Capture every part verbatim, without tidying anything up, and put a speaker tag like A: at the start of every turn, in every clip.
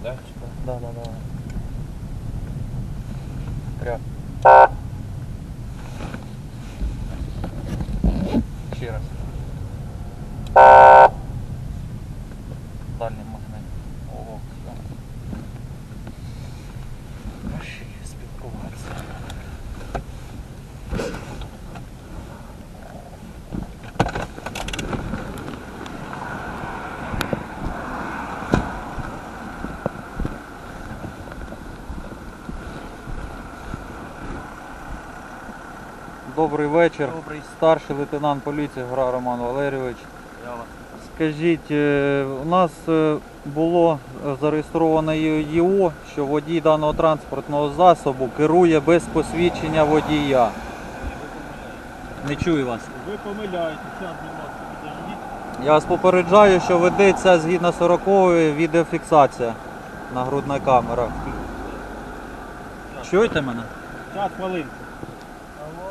A: да?
B: Да, да, да. Прям. Ще раз. Дальній магнит. Ого, все. Ще є спілкуватися. Добрий вечір.
A: Добрий.
B: Старший лейтенант поліції Гра Роман Валерійович.
A: Я вас.
B: Скажіть, е, у нас е, було зареєстровано ЄО, що водій даного транспортного засобу керує без посвідчення водія. Не чую вас.
A: Ви помиляєтеся, будь ласка, підождіть.
B: Я вас попереджаю, що ведеться згідно сорокової відеофіксація. Нагрудна камера. Чуєте мене?
A: Час, хвилинку.
C: Алло.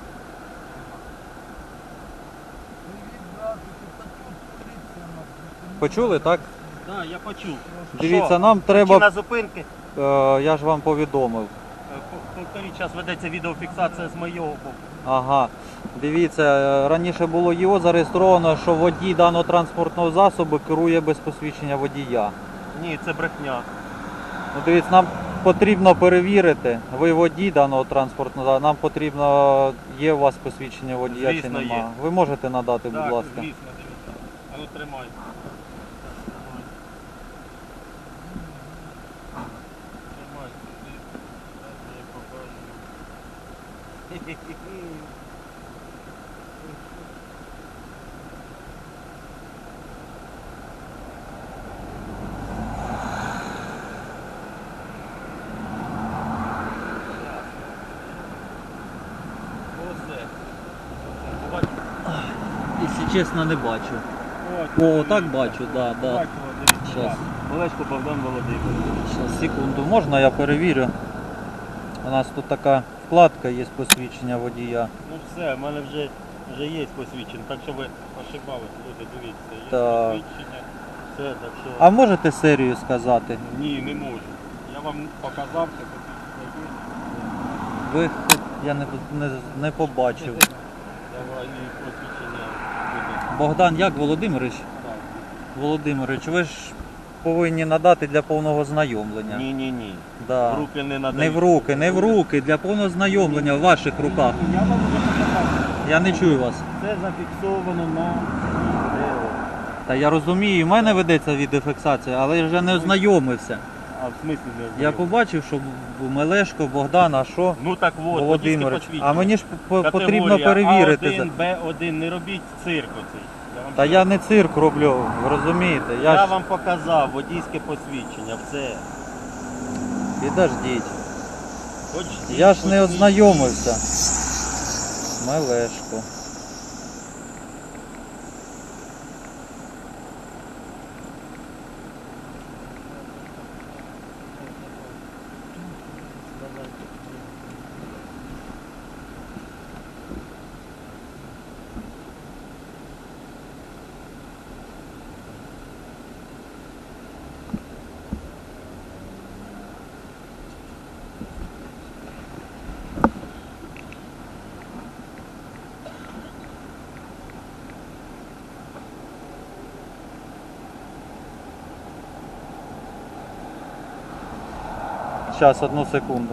B: Почули, так?
A: Так, да, я почув.
B: Дивіться,
A: Що?
B: нам
A: Причина
B: треба,
A: зупинки.
B: е, я ж вам повідомив.
A: Е, по- Повторіть, зараз ведеться відеофіксація з моєго боку.
B: Ага. Дивіться, е, раніше було ЄО зареєстровано, що водій даного транспортного засобу керує без посвідчення водія.
A: Ні, це брехня.
B: Ну, дивіться, нам потрібно перевірити, ви водій даного транспортного засобу, нам потрібно, є у вас посвідчення водія чи
A: Звісно,
B: нема.
A: є.
B: Ви можете надати,
A: Так,
B: будь ласка.
A: звісно, дивіться. А ну тримай. Тримай. Зараз я їй покажу. Оце. Бачите?
B: Якщо чесно, не бачу.
A: От,
B: О, так бачу, да, да.
A: Бачимо, дивіться.
B: Щас.
A: так. Олешко Богдан Володимирович.
B: Щас, секунду, можна я перевірю? У нас тут така вкладка є посвідчення водія.
A: Ну все, в мене вже, вже є посвідчення, так що ви ошибались, люди, дивіться, є
B: Так.
A: посвідчення. Все, так що...
B: А можете серію сказати?
A: Ні, не можу. Я вам показав, це посвідчення є.
B: Ви я не, не, не побачив.
A: Давай і посвідчення буде.
B: Богдан як Володимирович?
A: Так.
B: Володимирович, ви ж повинні надати для повного знайомлення.
A: Ні, ні, ні.
B: Да.
A: В руки не надо.
B: Не в руки, не в руки, для повного знайомлення в ваших руках.
A: Я вам вже показав.
B: Я не чую вас.
A: Це зафіксовано на відео.
B: Та я розумію, в мене ведеться відеофіксація, але я вже не ознайомився.
A: А в смислі не
B: Я
A: знайомий?
B: побачив, що Мелешко, Богдан, а що?
A: Ну так от, водійське
B: Володимирович.
A: посвідчення.
B: А мені ж по- потрібно
A: Категорія
B: перевірити.
A: А один,
B: за-
A: Б один, не робіть цирк оцей. Я вам
B: Та
A: ще
B: я не цирк роблю, ви розумієте? Я,
A: Я
B: ж...
A: вам показав водійське посвідчення, все.
B: Підождіть.
A: Хоч
B: Я ж не
A: посвідчення.
B: ознайомився. Мелешко. Зараз, одну секунду.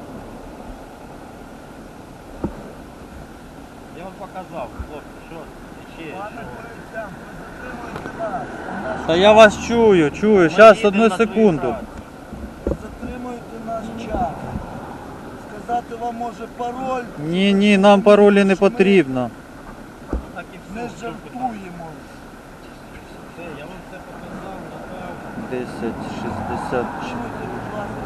A: Я вам показав, хлопці, що ще, що.
C: Пане поліцейський, затримуйте нас.
B: Та я вас чую, чую.
A: Ми
B: Зараз,
A: їдемо
B: одну
A: на свою
B: секунду.
A: працю.
C: Затримуйте наш час. Сказати вам може пароль,
B: Ні, ні, нам паролі не потрібно.
A: Так і все.
C: не
A: що питання.
C: жартуємо.
A: Все, я вам все показав, направив.
B: десять шістдесят чотири.
C: Чуйте, будь ласка,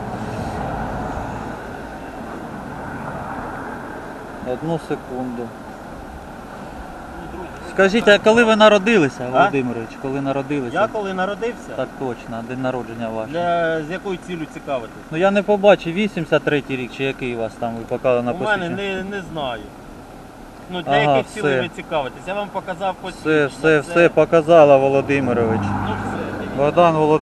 B: Одну секунду.
A: Ну, друзі,
B: Скажіть, а коли ви народилися, Володимирович? Коли народилися?
A: я коли народився,
B: Так точно, день народження ваш.
A: для, з якою цілею цікавитись?
B: Ну я не побачив, вісімдесят третій рік чи який у вас там ви показали на
A: У мене
B: посвідченні.
A: не, не знаю. Ну, для
B: Ага,
A: яких цілей
B: все.
A: ви цікавитесь? Я вам показав посвідчення.
B: Все, все, все показала Володимирович.
A: Ну все.
B: Богдан Володимирович.